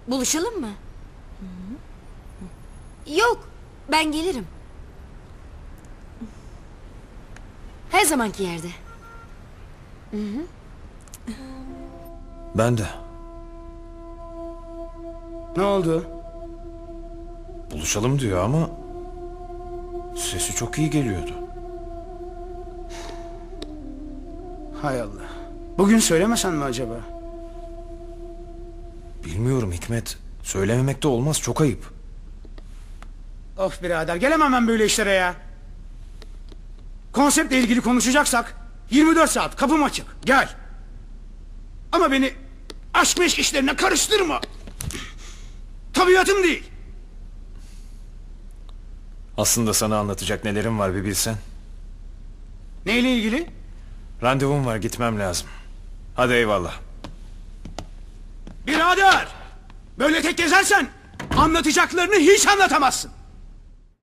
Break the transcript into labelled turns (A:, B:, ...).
A: Buluşalım mı? Yok, ben gelirim. Her zamanki yerde.
B: Ben de.
C: Ne oldu?
B: Buluşalım diyor ama sesi çok iyi geliyordu.
C: Hay Allah. Bugün söylemesen mi acaba?
B: Bilmiyorum Hikmet. Söylememek de olmaz, çok ayıp.
C: Of birader, gelemem ben böyle işlere ya. Konseptle ilgili konuşacaksak 24 saat kapım açık, gel. Ama beni aşk meşk işlerine karıştırma. Tabiatım değil.
B: Aslında sana anlatacak nelerim var bir bilsen.
C: Neyle ilgili?
B: Randevum var, gitmem lazım. Hadi eyvallah.
C: Birader! Böyle tek gezersen anlatacaklarını hiç anlatamazsın.